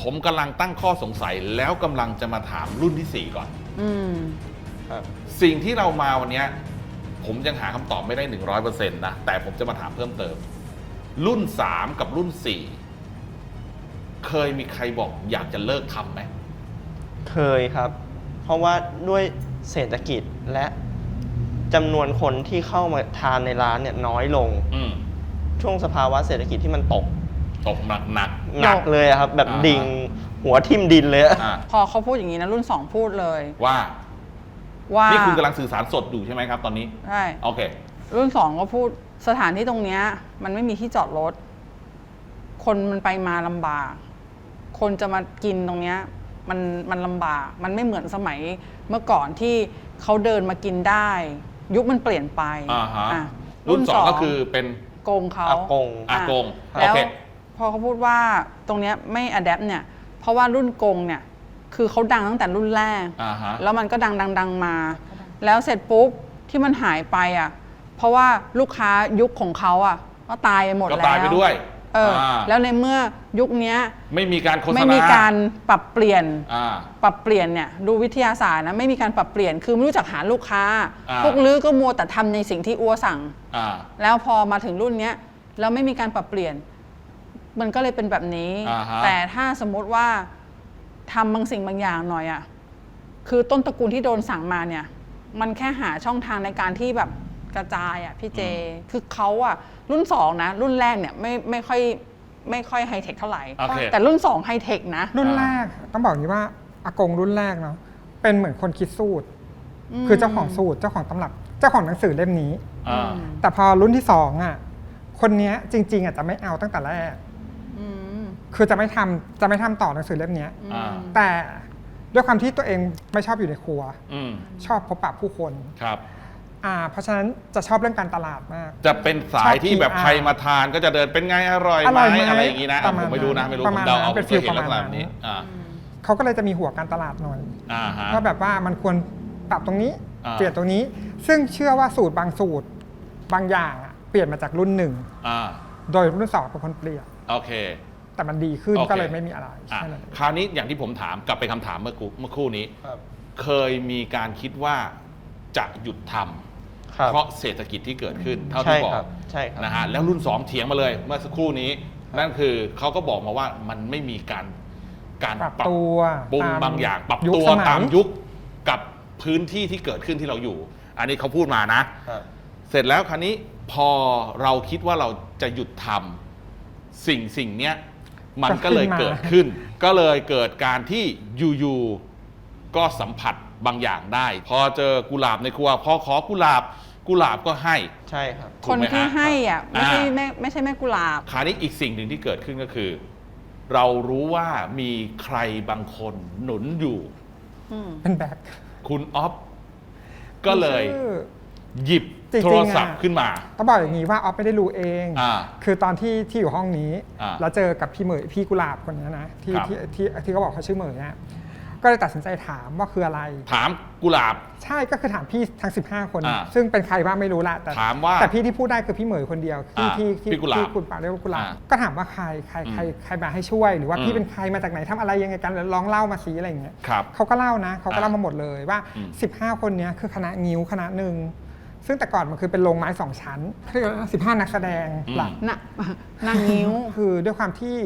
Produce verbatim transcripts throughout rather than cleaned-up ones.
ผมกำลังตั้งข้อสงสัยแล้วกำลังจะมาถามรุ่นที่สี่ก่อนอืมสิ่งที่เรามาวันนี้ผมยังหาคำตอบไม่ได้ หนึ่งร้อยเปอร์เซ็นต์ นะแต่ผมจะมาถามเพิ่มเติม รุ่นสามกับรุ่นสี่เคยมีใครบอกอยากจะเลิกทำไหมเคยครับ เพราะว่าด้วยเศรษฐกิจและจำนวนคนที่เข้ามาทานในร้านเนี่ยน้อยลงอืมช่วงสภาวะเศรษฐกิจที่มันตกตกหนักหนักหนักเลยอะครับ แบบอ่าฮะดิ่งหัวทิ่มดินเลยอะอ่าพอเขาพูดอย่างนี้นะรุ่นสองพูดเลยว่าว่านี่คุณกำลังสื่อสารสดอยู่ใช่ไหมครับตอนนี้ใช่โอเครุ่นสองก็พูดสถานที่ตรงเนี้ยมันไม่มีที่จอดรถ คนมันไปมาลำบาก คนจะมากินตรงเนี้ยมันมันลำบาก มันไม่เหมือนสมัยเมื่อก่อนที่เขาเดินมากินได้ ยุคมันเปลี่ยนไปอ่าฮะอ่ะรุ่นสองก็คือเป็นโกงเขาอากงอากงแล้โอวเคพอเขาพูดว่าตรงเนี้ยไม่อัดแอปเนี่ย เพราะว่ารุ่นโกงเนี่ยคือเขาดังตั้งแต่รุ่นแรกอ่าฮะแล้วมันก็ดังดังดังมา แล้วเสร็จปุ๊บที่มันหายไปอ่ะ เพราะว่าลูกค้ายุคของเขาอ่ะก็ตายไปหมดก็แล้วตายไปด้วยเอออา แล้วในเมื่อยุคเนี้ยไม่มีการโฆษณาไม่มีการปรับเปลี่ยนอ่าปรับเปลี่ยนเนี่ยดูวิทยาศาสตร์นะไม่มีการปรับเปลี่ยนคือไม่รู้จักหาลูกค้าอ่าพวกลือก็มัวแต่ทำในสิ่งที่อัวสั่งอ่าแล้วพอมาถึงรุ่นเนี้ยแล้วไม่มีการปรับเปลี่ยน มันก็เลยเป็นแบบนี้อ่าฮะแต่ถ้าสมมติว่าทำบางสิ่งบางอย่างหน่อยอะ่ะคือต้นตระกูลที่โดนสั่งมาเนี่ย มันแค่หาช่องทางในการที่แบบกระจายอะ่ะพี่เจ คือเขาอะ่ะรุ่นสองนะ รุ่นแรกเนี่ยไม่ไม่ค่อยไม่ค่อยไฮเทคเท่าไหร่โอเคแต่รุ่นสองไฮเทคนะรุ่นแรกต้องบอกอย่างนี้ว่าอากงรุ่นแรกเนาะเป็นเหมือนคนคิดสูตร คือเจ้าของสูตรเจ้าของตำรับเจ้าของหนังสือเล่มนี้อ่าแต่พอรุ่นที่สองอ่ะคนเนี้ยจริงๆอ่ะจะไม่เอาตั้งแต่แรกอืมคือจะไม่ทำจะไม่ทำต่อหนังสือเล่มเนี้ยอ่าแต่ด้วยความที่ตัวเองไม่ชอบอยู่ในครัวอืมชอบพบปะผู้คนครับอ่าเพราะฉะนั้นจะชอบเรื่องการตลาดมากจะเป็นสายที่แบบชอบใครมาทานก็จะเดินเป็นไงอร่อยอไหมร่อยไหมอะไรอย่างนี้นะประมาณผมไม่รู้นะไม่รู้ปผระมมาณเดาเอานั้นเป็นผมฟีลเห็นลักษณะประมาณแบบนี้นั้นอ่าเขาก็เลยจะมีหัวการตลาดหน่อยอ่าฮะว่าแบบว่ามันควรปรับตรงนี้อ่าเปลี่ยนตรงนี้ ซึ่งเชื่อว่าสูตรบางสูตรบางอย่างอะเปลี่ยนมาจากรุ่นหนึ่งอ่าโดยรุ่นสองเป็นคนเปลี่ยนโอเคแต่มันดีขึ้นโอเคก็เลยไม่มีอะไรอ่ะแค่นั้นเองคราวนี้อย่างที่ผมถามกลับไปคำถามเมื่อกูเมื่อครู่นี้ครับเคยมีการคิดว่าจะหยุดทำครับเพราะเศรษฐกิจที่เกิดขึ้นเท่าใช่ที่บอครักบใช่ครับนะฮะแล้วรุ่นสองเถียงมาเลยเมื่อสักครู่นี้ นั่นคือเขาก็บอกมาว่ามันไม่มีการการปรับตัวปรุงตามบางอย่าง ปรับยุคตัวสมัยตามยุคกับพื้นที่ที่เกิดขึ้นที่เราอยู่ อันนี้เขาพูดมานะครับเสร็จแล้วคราวนี้พอเราคิดว่าเราจะหยุดทำสิ่งสิ่งเนี้ยมันก็เลยเกิดขึ้น ก็เลยเกิดการที่อยู่ๆก็สัมผัสบางอย่างได้ พอเจอกุหลาบในครัวพอขอกุหลาบกุหลาบก็ให้ใช่ครับถูคกนไหมที่ฮะให้อ่ะไม่ใช่อ่าแม่ไม่ใช่แม่กุหลาบคราวนี้อีกสิ่งหนึ่งที่เกิดขึ้นก็คือ เรารู้ว่ามีใครบางคนหนุนอยู่อืมเป็นแบ็คคุณออฟก็เลยชื่อหยิบจริงๆโทรศัพท์อะขึ้นมาต้องบอกอย่างนี้ว่าออฟไม่ได้รู้เองอ่าคือตอนที่ที่อยู่ห้องนี้อ่าแล้วเจอกับพี่เหมยพี่กุหลาบคนนี้นะที่ครับที่ที่ที่เขาบอกเขาชื่อเหมยเนี่ยก็เลยตัดสินใจถามว่าคืออะไรถามกุหลาบใช่ก็คือถามพี่ทั้ง สิบห้า คนอ่าซึ่งเป็นใครบ้างไม่รู้ละแต่ถามว่าแต่พี่ที่พูดได้คือพี่เหมยคนเดียวที่อ่าที่ที่พี่กุหลาบที่คุณปากเรียกว่ากุหลาบอ่าก็ถามว่าใครใครใครอืมใครมาให้ช่วย หรือว่าอืมพี่เป็นใครมาจากไหนทำอะไรยังไงกันลองเล่ามาสิอะไรอย่างเงี้ยครับเขาก็เล่านะเขาก็เล่าอ่ามมาหมดเลยว่าอืมสิบห้า คนเนี้ยคือคณะงิ้วคณะหนึ่งซึ่งแต่ก่อนมันคือเป็นโรงไม้สองชั้นเรียกว่าสิบห้านักแสดงหลักน่ะ นางนิ้วคือด้วยความที่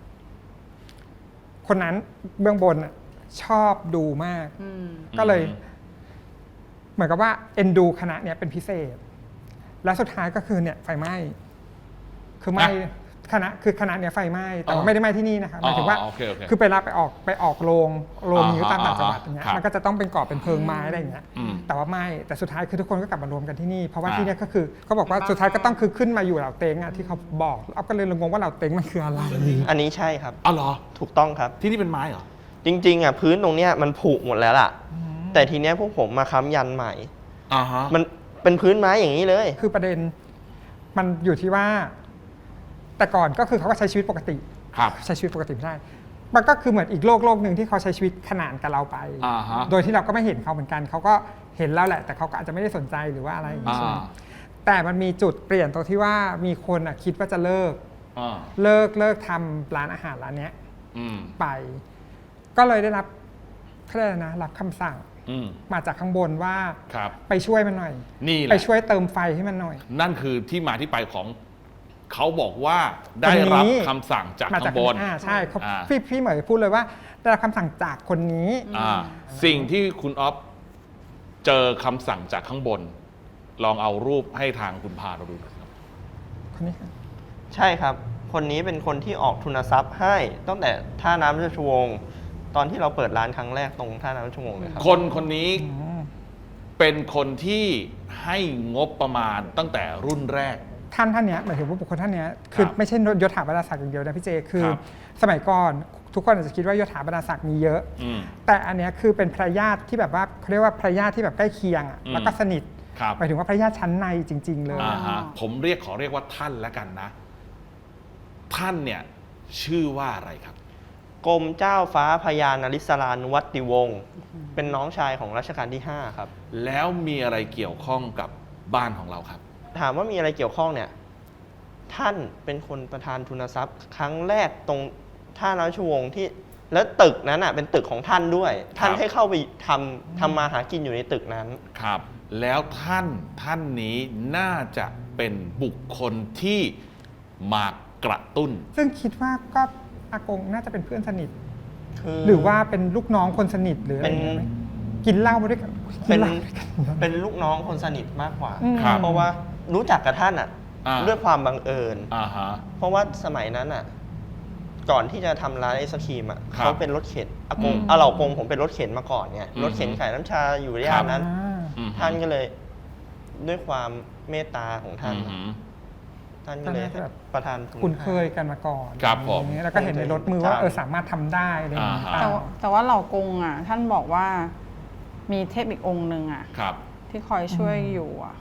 คนนั้นเบื้องบนน่ะชอบดูมากอืมก็เลยอืมเหมือนกับว่าเอ็นดูคณะเนี้ยเป็นพิเศษ และสุดท้ายก็คือเนี่ยไฟไหม้คือไหม้คณะคือคณะเนี้ยไฟไหม้แต่ว่าไม่ได้ไหม้ที่นี่นะคะหมายถึงว่าอ๋อโอเคโอเคคือไปรับไปออกไปออกโรงโรงอ่าฮะนิ้วตามต่างจังหวัดอย่างเงี้ยครับมันก็จะต้องเป็นก่อเป็นเพิงไม้อะไรอย่างเงี้ยอืมแต่ว่าไม่แต่สุดท้ายคือทุกคนก็กลับมารวมกันที่นี่เพราะว่าอ่าที่เนี้ยก็คือเขาบอกว่าสุดท้ายก็ต้องคือขึ้นมาอยู่เหล่าเต็งอ่ะที่เขาบอกเอาก็เลยงงว่าเหล่าเต็งมันคืออะไรอันนี้ใช่ครับอ๋อเหรอถูกต้องครับที่นี่เป็นไม้เหรอจริงๆอ่ะพื้นตรงเนี้ยมันผุหมดแล้วล่ะ แต่ทีเนี้ยพวกผมมาค้ำยันใหม่อ่าฮะมันเป็นพื้นไม้อย่างนี้เลยคือประเด็นมันอยู่ที่ว่า แต่ก่อนก็คือเขาก็ใช้ชีวิตปกติครับใช้ชีวิตปกติไม่ได้ มันก็คือเหมือนอีกโลกโลกหนึ่งที่เขาใช้ชีวิตขนานกับเราไปอ่าฮะโดยที่เราก็ไม่เห็นเขาเหมือนกัน เขาก็เห็นแล้วแหละ แต่เขาก็อาจจะไม่ได้สนใจหรือว่าอะไรอย่างนี้อ่าใช่ไหมแต่มันมีจุดเปลี่ยนตรงที่ว่ามีคนอ่ะคิดว่าจะเลิกอ่าเลิกเลิกทำร้านอาหารร้านเนี้ยอืมไป ก็เลยได้รับเขาเรียกอะไรนะรับคำสั่งอืมมาจากข้างบนว่าครับไปช่วยมันหน่อยนี่แหไปละช่วยเติมไฟให้มันหน่อยนั่นคือที่มาที่ไปของเขาบอกว่าได้คนนี้รับคำสั่งจากมาข้าจากงบนอ่าใช่เขาอ่าพี่พี่เหมยพูดเลยว่าได้รับคำสั่งจากคนนี้อ่าสิ่งที่คุณอ๊อฟเจอคำสั่งจากข้างบน ลองเอารูปให้ทางคุณพาเราดูหน่อยครับคนนี้ครับใช่ครับ คนนี้เป็นคนที่ออกทุนทรัพย์ให้ตั้งแต่ท่าน้ำราชวงศ์ตอนที่เราเปิดร้านครั้งแรกตรงท่าน้ำราชวงศ์เลยครับคนคนนี้อืมเป็นคนที่ให้งบประมาณตั้งแต่รุ่นแรกท่านท่านเนี้ยหมายถึงว่าบุคคลท่านเนี้ยคือครับไม่ใช่ยศถาบรรดาศักดิ์อย่างเดียวนะพี่เจคือครับสมัยก่อนทุกคนอาจจะคิดว่ายศถาบรรดาศักดิ์มีเยอะอืมแต่อันเนี้ยคือเป็นภรรยาทที่แบบว่าเขาเรียกว่าภรรยาทที่แบบใกล้เคียงอะอืมแล้วก็สนิทครับหมายถึงว่าภรรยาทชั้นในจริง ๆ เลยอ่าฮะผมเรียกขอเรียกว่าท่านแล้วกันนะ ท่านเนี่ยชื่อว่าอะไรครับกรมเจ้าฟ้าพญานริศรานุวัติวงศ์เป็นน้องชายของรัชกาลที่ห้าครับแล้วมีอะไรเกี่ยวข้องกับบ้านของเราครับถามว่ามีอะไรเกี่ยวข้องเนี่ย ท่านเป็นคนประธานทุนทรัพย์ ครั้งแรกตรงท่าน้ำราชวงศ์ที่แล้วตึกนั้นอ่ะเป็นตึกของท่านด้วย ท่านให้เข้าไปทำทำมาหากินอยู่ในตึกนั้นครับ แล้วท่านท่านนี้น่าจะเป็นบุคคลที่มากระตุ้นซึ่งคิดว่าก็อากงน่าจะเป็นเพื่อนสนิทคือหรือว่าเป็นลูกน้องคนสนิทหรืออะไรเป็นอย่างเงี้ยไหมกินเหล้ามาด้วยกันกิเป็นเหล้าด้วยกันเป็นลูกน้องคนสนิทมากกว่าอืมครับเพราะว่ารู้จักกับท่านอ่ะอ่าด้วยความบังเอิญอ่าฮะเพราะว่าสมัยนั้นอ่ะ ก่อนที่จะทำร้านไอศครีมอ่ะครับเขาเป็นรถเข็นอากงอืมอาเหล่ากงผมเป็นรถเข็นมาก่อนเนี่ยอืมรถเข็นขายน้ำชาอยู่ย่านนั้นอ่าอืมท่านก็เลยด้วยความเมตตาของท่านอือหือท่านก็เลยท่านน่าจะแบบประทานทุนคุ้นให้เคยกันมาก่อนครับผมอย่างเงี้ยแล้วก็เห็นในรถมือว่าเออสามารถทำได้อะไรอย่างเงี้ยอ่าฮะแต่ว่าแต่ว่าเหล่ากงอ่ะ ท่านบอกว่ามีเทพอีกองค์หนึ่งอ่ะครับที่คอยช่วยอยู่อ่ะ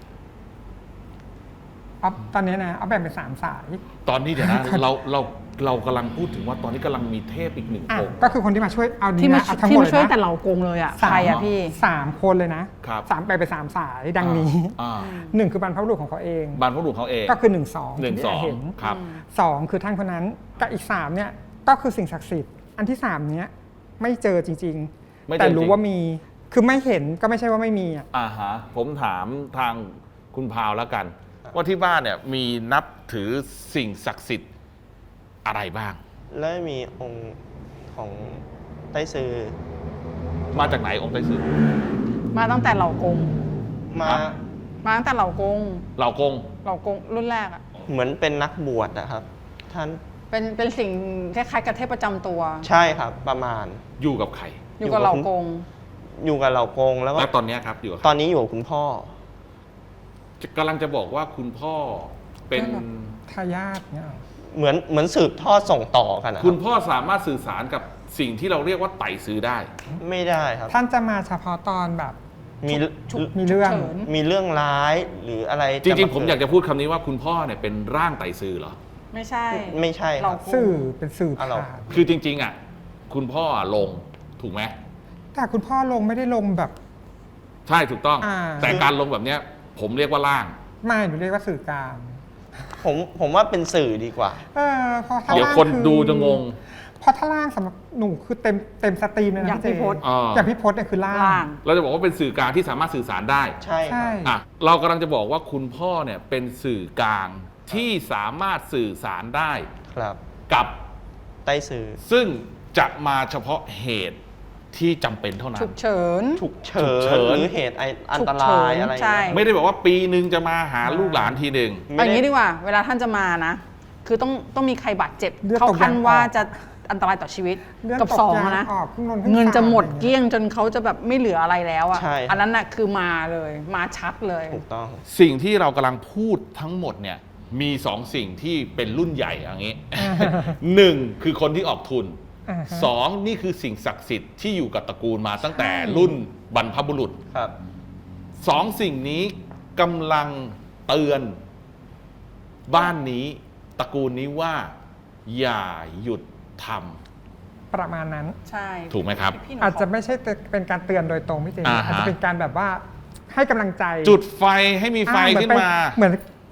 อ๊อฟตอนนี้นะเอาแบ่งเป็นสามสายตอนนี้เดี๋ยวนะ เราเราเรากำลังพูดถึงว่าตอนนี้กำลังมีเทพอีกหนึ่งอ่ะองค์ก็คือคนที่มาช่วยเอาดีที่มานะเอาทั้งหที่มดมาเลยช่วยแต่นะเหล่ากงเลยอ่ะสามใครอ่ะพี่สามคนเลยนะครับ สามแบ่งเป็นสามสายดังนี้อ่าหนึ่งคือบรรพบุรุษของเขาเองบรรพบุรุษเขาเองก็คือหนึ่งสองหนึ่งที่สองเห็นครับสองคือท่านคนนั้นกับอีกสามเนี่ยก็คือสิ่งศักดิ์สิทธิ์อันที่สามเนี้ยไม่เจอจริงไม่ๆเจอแต่จริรู้งว่ามีคือไม่เห็นก็ไม่ใช่ว่าไม่มีอ่ะอ่าฮะผมถามทางคุณพาวแล้วกัน ว่าที่บ้านเนี่ยมีนับถือสิ่งศักดิ์สิทธิ์อะไรบ้างและมีองค์ของไต้ซือมาจากไหนองค์ไต้ซือมาตั้งแต่เหล่ากงมาครับมาตั้งแต่เหล่ากงเหล่ากงเหล่ากงรุ่นแรกอ่ะเหมือนเป็นนักบวชนะครับ ท่านเป็นเป็นสิ่งคล้ายๆกับเทพประจำตัวใช่ครับประมาณอยู่กับใครอยู่กับเหล่ากงอยู่กับเหล่ากงแล้วก็แล้วตอนเนี้ยครับอยู่กับใคตรอนนี้อยู่กับคุณพ่อกำลังจะบอกว่าคุณพ่อเป็นทายาทเนี่ยหรอเหมือนเหมือนสืบทอดส่งต่อกันนะคคุรัณบพ่อสามารถสื่อสารกับสิ่งที่เราเรียกว่าไต่ซื้อได้ไม่ได้ครับท่านจะมาเฉพาะตอนแบบมีฉุกมีเรื่องฉุกฉินมีเรื่องร้ายหรืออะไรจริงๆ ผมเกิดอยากจะพูดคำนี้ว่าคุณพ่อเนี่ยเป็นร่างไต่ซื้อเหรอไม่ใช่ไม่ใช่คเหล่ารับกงสื่อเป็นสื่ออ่ะเราผ่านคือจริง ๆ อ่ะ คุณพ่อลงถูกไหมแต่คุณพ่อลงไม่ได้ลงแบบใช่ถูกต้องอ่าแต่การลงแบบเนี้ย ผมเรียกว่าร่างไม่หนูเรียกว่าสื่อกลางผมผมว่าเป็นสื่อดีกว่าเออเพราะถ้าเดี๋ยวล่างคนอดูจะงงเพราะถ้าล่างสำหรับหนูคือเต็มเต็มสตรีมเลยนะอย่างเจพี่พศอ่าอย่างพี่พศเนี่ยคือล่างล่างเราจะบอกว่าเป็นสื่อกลางที่สามารถสื่อสารได้ใช่คใช่รับอ่ะเรากำลังจะบอกว่าคุณพ่อเนี่ยเป็นสื่อกลางที่สามารถสื่อสารได้ครับกับไต้ซือซึ่งจะมาเฉพาะเหตุที่จำเป็นเท่านั้ฉุนกเฉินฉุกเฉิฉุกเฉินนหรือเหตุไออันฉุกตเฉิรายนอะไรใช่เงี้ยไม่ได้บอกว่าปีหนึ่งจะมาหาลูกหลานทีหนึ่งเอาอย่างนี้ดีกว่า เวลาท่านจะมานะ คือต้องต้องมีใครบาดเจ็บเลือดเข้าตกขั้นยางออกว่าจะอันตรายต่อชีวิตเลือดกับตกสองยางอะนะออกครึ่งนนครึ่งเงินจะหมดสามเกลี้ยงจนเขาจะแบบไม่เหลืออะไรแล้วอะใช่อันนั้นน่ะคือมาเลย มาชัดเลยถูกต้องสิ่งที่เรากำลังพูดทั้งหมดเนี่ยมีสองสิ่งที่เป็นรุ่นใหญ่อย่างนี้ หนึ่งคือคนที่ออกทุนอ่าฮะสองนี่คือสิ่งศักดิ์สิทธิ์ที่อยู่กับตระกูลมาตั้งแต่รุ่นบรรพบุรุษครับสองสิ่งนี้กำลังเตือนบ้านนี้ตระกูลนี้ว่า อย่าหยุดทประมาณนั้นใช่ำถูกไหมครับพี่หนูอาจจะขไม่ใช่เป็นการเตือนโดยตรงพี่เจอ่าฮะอาจจะเป็นการแบบว่าให้กำลังใจจุดไฟให้มีไฟอ่าเหมือขึ้นไปมาเหมือน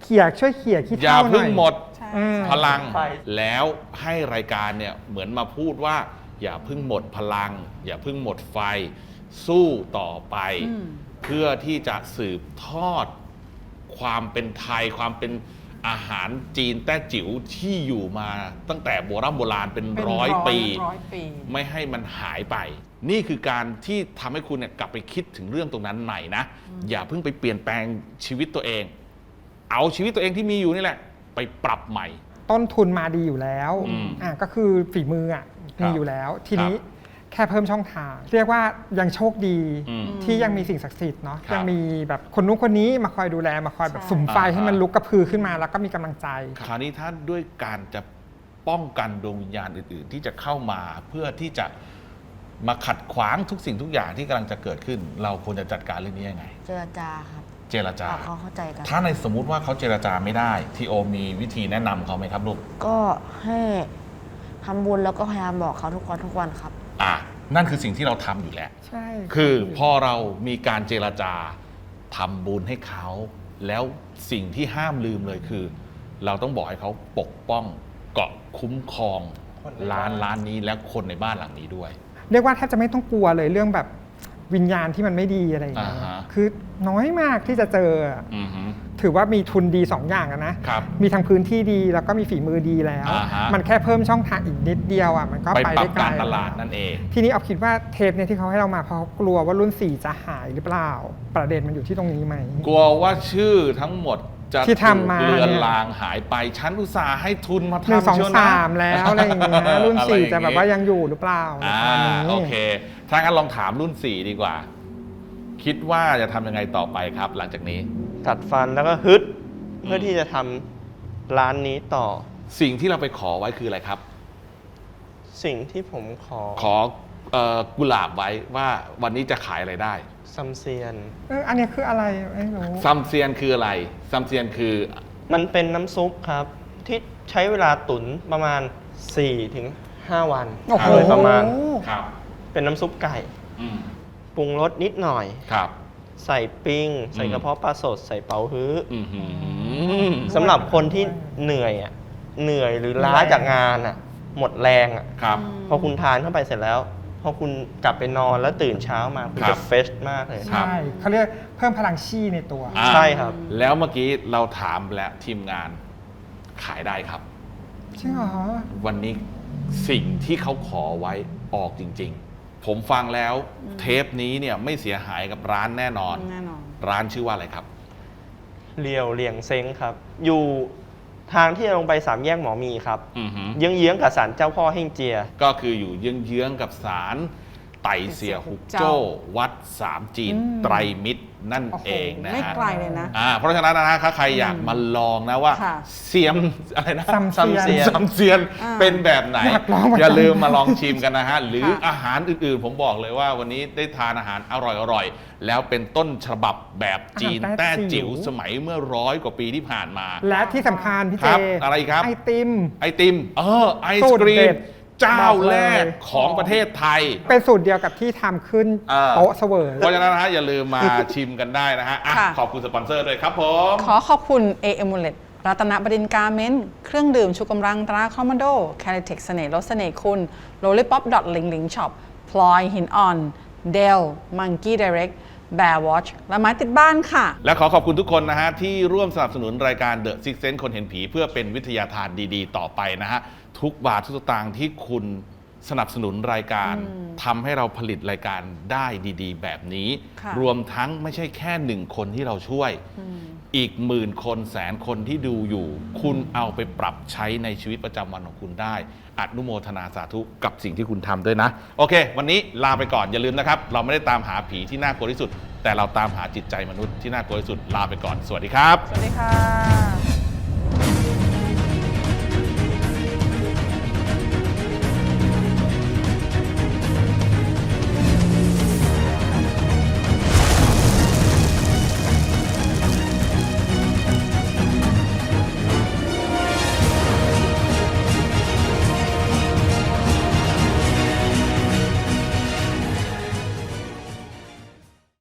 เขี่ยช่วยเขี่ยขี้อย่าเท่าหน่อยเพิ่งหมดใช่อืมพลังไปแล้วให้รายการเนี่ยเหมือนมาพูดว่า อย่าเพิ่งหมดพลัง อย่าเพิ่งหมดไฟ สู้ต่อไปอืมเพื่อที่จะสืบทอดความเป็นไทย ความเป็นอาหารจีนแต้จิ๋วที่อยู่มาตั้งแต่โบราณโบราณเป็นเป็นร้อยปีร้อยปีไม่ให้มันหายไป นี่คือการที่ทำให้คุณเนี่ยกลับไปคิดถึงเรื่องตรงนั้นใหม่นะ อย่าเพิ่งไปเปลี่ยนแปลงชีวิตตัวเอง เอาชีวิตตัวเองที่มีอยู่นี่แหละ ไปปรับใหม่ต้นทุนมาดีอยู่แล้วอืมอ่ะก็คือฝีมืออ่ะครับมีอยู่แล้ว ทีนี้ครับแค่เพิ่มช่องทาง เรียกว่ายังโชคดีอืมที่ยังมีสิ่งศักดิ์สิทธิ์เนาะครับยังมีแบบคนนู้นคนนี้มาคอยดูแลมาคอยแบบใช่สุมไฟอ่าให้มันลุกกระพือขึ้นมาแล้วก็มีกำลังใจคราวนี้ถ้าด้วยการจะป้องกันดวงวิญญาณอื่น ๆ ที่จะเข้ามาเพื่อที่จะมาขัดขวางทุกสิ่งทุกอย่างที่กำลังจะเกิดขึ้น เราควรจะจัดการเรื่องนี้ยังไงเจรจาครับเจรจาปรับเขาเข้าใจกันถ้าในสมมุติว่าเขาเจรจาไม่ได้ทีโอมีวิธีแนะนำเขาไหมครับลูกก็ให้ทำบุญแล้วก็พยายามบอกเขาทุกวันทุกวันครับอ่ะนั่นคือสิ่งที่เราทำอยู่แล้วใช่คือพอเรามีการเจรจาทำบุญให้เขา แล้วสิ่งที่ห้ามลืมเลยคือ เราต้องบอกให้เขาปกป้องเกาะคุ้มครองคนในร้านบ้านร้านนี้และคนในบ้านหลังนี้ด้วยเรียกว่าแทบจะไม่ต้องกลัวเลยเรื่องแบบวิญญาณที่มันไม่ดีอะไรอย่างเงี้ยอ่าฮะคือน้อยมากที่จะเจออือฮึถือว่ามีทุนดีสองอย่างอะนะครับมีทั้งพื้นที่ดีแล้วก็มีฝีมือดีแล้วอ่าฮะมันแค่เพิ่มช่องทางอีกนิดเดียวอ่ะมันก็ไปไปปรัได้บไกลการตลาดนั่นเองทีนี้เอาคิดว่าเทปเนี่ยที่เขาให้เรามาเพราะเขากลัวว่ารุ่นสี่จะหายหรือเปล่า ประเด็นมันอยู่ที่ตรงนี้ไหมกลัวว่าชื่อทั้งหมดจะที่ทำมาถูกเลือนเนี่ยลางหายไปฉันอุตส่าห์ให้ทุนมาหนึ่งสทำองเชียวนะสามแล้วอะไรอย่างเงี้ยรุ่นอะไรสี่อย่งจะแบบว่ายังอยู่หรือเปล่าในอ่าตอนนี้โอเค ถ้างั้นลองถามรุ่นสี่ดีกว่า คิดว่าจะทำยังไงต่อไปครับ หลังจากนี้กัดฟันแล้วก็ฮึดเพื่อที่จะทำร้านนี้ต่อสิ่งที่เราไปขอไว้คืออะไรครับสิ่งที่ผมขอขอเอ่อกุหลาบไว้ว่าวันนี้จะขายอะไรได้ซัมเซียนเอออันเนี้ยคืออะไรไม่รู้ซัมเซียนคืออะไรซัมเซียนคือมันเป็นน้ำซุปครับ ที่ใช้เวลาตุ๋นประมาณ สี่ถึงห้า วันโอ้โหโดยประมาณครับเป็นน้ำซุปไก่อืมปรุงรสนิดหน่อยครับใส่ปิ้ง ใส่อืมกระเพาะปลาสด ใส่เป๋าฮื้ออือหือสำหรับคนที่เหนื่อยอ่ะเหนื่อยหรือล้าจากงานอ่ะ หมดแรงอ่ะครับพอคุณทานเข้าไปเสร็จแล้ว พอคุณกลับไปนอนแล้วตื่นเช้ามาคุณครัจะบเฟชมากเลยครับใช่เขาเรียกเพิ่มพลังชีในตัวอ่าใช่ครับแล้วเมื่อกี้เราถามแล้วทีมงานขายได้ครับจริงเหรอวันนี้สิ่งที่เขาขอไว้ออกจริง ๆ ผมฟังแล้วเทปนี้เนี่ยไม่เสียหายกับร้านแน่นอนแน่นอนร้านชื่อว่าอะไรครับเรียวเลียงเซ้งครับ อยู่ทางที่จะลงไปสามแยกหมอมีครับอือหือเยื้องๆกับศาลเจ้าพ่อเฮ่งเจียก็คืออยู่เยื้องๆกับศาลไต่เสียหุกโจ้ วัดสามจีนอืมไตรมิตรนั่นโอ้โหเองนะไม่ฮะไกลเลยนะอ่าเพราะฉะนั้นนะถ้าใครอยากมาลองนะว่าค่ะเสียมอะไรนะซัมเซียนซัมเซียนซัมเซียนอ่าเป็นแบบไหนอยากลองเหมือนกันอย่าลืมมาลองชิมกันนะฮะ หรือค่ะอาหารอื่นๆ ผมบอกเลยว่าวันนี้ได้ทานอาหารอร่อยๆ แล้วเป็นต้นฉบับแบบจีนอาหารแต้แต้จิ๋จิ๋ววสมัยเมื่อร้อยกว่าปีที่ผ่านมาและที่สำคัญพี่คเจรับอะไรครับไอติมไอติม เออ ไอสูศตรกรีเด็มดเจ้าบอกเลยแรกของประเทศไทยเป็นสูตรเดียวกับที่ทำขึ้นเออโต๊ะเสวยเพราะฉะนั้นนะฮะอย่าลืมมาชิมกันได้นะฮะอ่ะค่ะขอบคุณสปอนเซอร์ด้วยครับผมขอขอบคุณ A e m u l e t รัตนบดินทร์การเมนต์เครื่องดื่มชูกำลังตราคอมมานโดแคลิเทคเสน่ห์ลดเสน่ห์คุณ Lollipop ดอทลิงลิงช็อปพลอยหินอ่อนเดลมังกี้ไดเรกแบร์วอชและไม้ติดบ้านค่ะและขอขอบคุณทุกคนนะฮะที่ร่วมสนับสนุนรายการ The Six Sense คนเห็นผีเพื่อเป็นวิทยาทานดีๆ ต่อไปนะฮะ ทุกบาททุกสตางค์ที่คุณสนับสนุนรายการทำให้เราผลิตรายการได้ดีๆ แบบนี้ค่ะรวมทั้งไม่ใช่แค่หนึ่งคนที่เราช่วย อีกหมื่นคนแสนคนที่ดูอยู่ คุณเอาไปปรับใช้ในชีวิตประจำวันของคุณได้อนุโมทนาสาธุกับสิ่งที่คุณทำด้วยนะ โอเค วันนี้ลาไปก่อนอย่าลืมนะครับ เราไม่ได้ตามหาผีที่น่ากลัวที่สุด แต่เราตามหาจิตใจมนุษย์ที่น่ากลัวที่สุดลาไปก่อนสวัสดีครับสวัสดีค่ะ